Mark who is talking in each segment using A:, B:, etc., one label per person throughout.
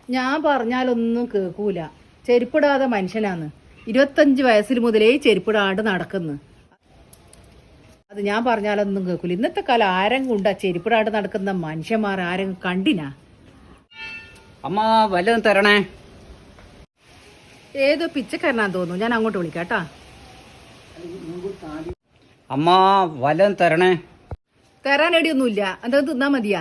A: ഞാൻ പറഞ്ഞാലൊന്നും കേൾക്കൂല. ചെരുപ്പിടാതെ മനുഷ്യനാന്ന്. 25 വയസ്സിൽ മുതലേ ചെരുപ്പിടാണ്ട് നടക്കുന്നു. അത് ഞാൻ പറഞ്ഞാലൊന്നും കേൾക്കൂല. ഇന്നത്തെ കാലം ആരെങ്കിലും ഉണ്ടാ ചെരുപ്പിടാണ്ട് നടക്കുന്ന മനുഷ്യന്മാർ ആരെങ്കിലും കണ്ടിനാ?
B: അമ്മ വല്ലതും തരണേ.
A: ഏതോ പിച്ചക്കാരനാന്ന് തോന്നുന്നു. ഞാൻ അങ്ങോട്ട് വിളിക്കാട്ടാ.
B: അമ്മ വല്ലതും തരണേ.
A: തരാനേടിയൊന്നുമില്ല. എന്തെങ്കിലും തിന്നാ മതിയാ?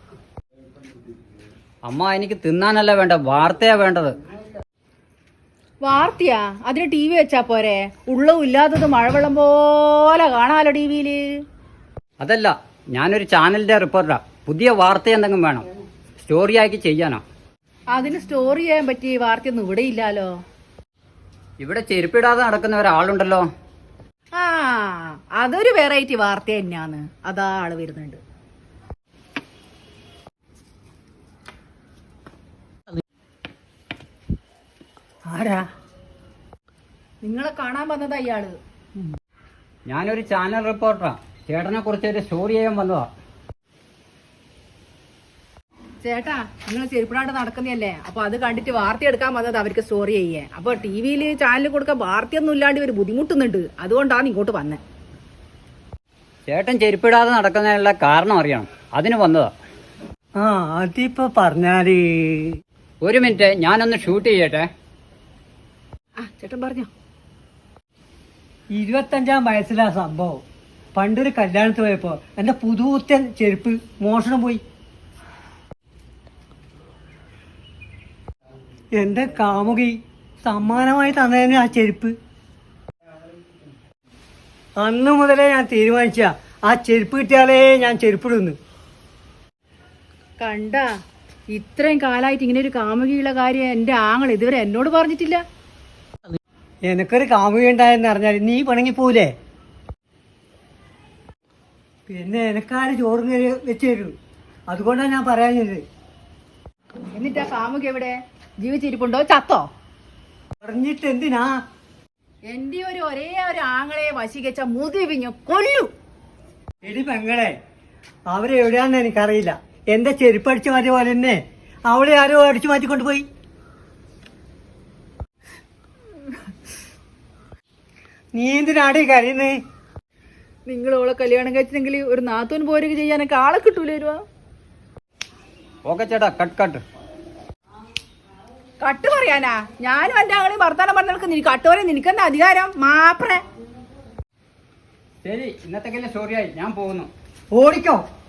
B: അമ്മ എനിക്ക് തിന്നാനല്ല വേണ്ട, വാർത്തയാ വേണ്ടത്.
A: വാർത്തയാ? അതിന് TV വെച്ചാ പോരെ? ഉള്ളവും ഇല്ലാത്തത് മഴവെള്ളം പോലെ കാണാലോ TVയില്.
B: അതല്ല, ഞാനൊരു ചാനലിന്റെ റിപ്പോർട്ടറാ. പുതിയ വാർത്ത എന്തെങ്കിലും വേണം, സ്റ്റോറി ആക്കി ചെയ്യാനോ.
A: അതിന് സ്റ്റോറി ചെയ്യാൻ പറ്റിയ വാർത്തയൊന്നും ഇവിടെ ഇല്ലാലോ.
B: ഇവിടെ ചെരുപ്പിടാതെ നടക്കുന്ന ഒരാളുണ്ടല്ലോ.
A: ആ, അതൊരു വെറൈറ്റി വാർത്ത തന്നെയാന്ന്. അതാ ആള് വരുന്നുണ്ട്.
B: ആരാ?
A: നിങ്ങളെ കാണാൻ വന്നതാ ഇയാള്.
B: ഞാനൊരു ചാനൽ റിപ്പോർട്ടറാ. ചേട്ടനെ കുറിച്ച് ഒരു സ്റ്റോറി ചെയ്യാൻ വന്നതാ.
A: ചേട്ടാ, നിങ്ങൾ ചെരുപ്പിടാണ്ട് നടക്കുന്നതല്ലേ, അപ്പൊ അത് കണ്ടിട്ട് വാർത്ത എടുക്കാൻ വന്നത് അവർക്ക് സ്റ്റോറി ചെയ്യേ. അപ്പൊ TVയില് ചാനലിൽ കൊടുക്കാൻ വാർത്തയൊന്നും ഇല്ലാണ്ട് ഇവര് ബുദ്ധിമുട്ടുന്നുണ്ട്. അതുകൊണ്ടാണ് ഇങ്ങോട്ട് വന്നേ.
B: ചേട്ടൻ ചെരുപ്പിടാതെ നടക്കുന്നതിനുള്ള കാരണം അറിയണം, അതിന് വന്നതാ.
C: ആ, അതിപ്പോ പറഞ്ഞാല്.
B: ഒരു മിനിറ്റ്, ഞാനൊന്ന് ഷൂട്ട് ചെയ്യട്ടെ.
A: ചേട്ടൻ പറഞ്ഞോ.
C: 25-ാം വയസ്സിലാ സംഭവം. പണ്ടൊരു കല്യാണത്തിന് പോയപ്പോ എന്റെ പുതുത്തൻ ചെരുപ്പ് മോഷണം പോയി. എന്റെ കാമുകി സമ്മാനമായി തന്നതിന് ആ ചെരുപ്പ്. അന്ന് മുതലേ ഞാൻ തീരുമാനിച്ച ആ ചെരുപ്പ് കിട്ടിയാലേ ഞാൻ ചെരുപ്പിടുന്നു.
A: കണ്ട, ഇത്രയും കാലമായിട്ട് ഇങ്ങനെ ഒരു കാമുകിയുള്ള കാര്യം എന്റെ ആങ്ങൾ ഇതുവരെ എന്നോട് പറഞ്ഞിട്ടില്ല.
C: എനക്കൊരു കാമുകി ഉണ്ടായെന്ന് അറിഞ്ഞാൽ നീ പിണങ്ങിപ്പോലേ. പിന്നെ എനക്കാര് ചോറും കറി വെച്ച് തരൂ. അതുകൊണ്ടാണ് ഞാൻ പറയാഞ്ഞത്.
A: എന്നിട്ട് ആ കാമുകി എവിടെ? ജീവിച്ചിരിപ്പുണ്ടോ ചത്തോ?
C: പറഞ്ഞിട്ട് എന്തിനാ?
A: എന്റെ ഒരേ ഒരു ആങ്ങളെ വശീകരിച്ച മുതിവിഞ്ഞു കൊല്ലു.
C: എടി പെങ്ങളെ, അവരെ എവിടെയാണെന്ന് എനിക്കറിയില്ല. എന്റെ ചെരുപ്പ് അടിച്ചു മാറ്റിയ പോലെ തന്നെ അവളെ ആരോ അടിച്ചു മാറ്റിക്കൊണ്ട് പോയി. നീ എന്തിനാടി കരയുന്നേ?
A: നിങ്ങൾ ഓളെ കല്യാണം കഴിച്ചെങ്കിൽ ഒരു നാത്തൂൻ പോരൊക്കെ ചെയ്യാനൊക്കെ ആളെ കിട്ടൂലോ.
B: ഓക്കെ ചേട്ടാ, കട്ട്.
A: കട്ട് പറയാനാ? ഞാനും എന്റെ ആങ്ങളെയും വർത്താനം പറഞ്ഞാൽ നീ കട്ട് പറയാൻ നിനക്കെന്താ അധികാരം? മാപ്രേ.
B: ശരി, ഇന്നത്തേക്കല്ലേ സ്റ്റോറിയായി, ഞാൻ പോകുന്നു.
C: ഓടിക്കോ.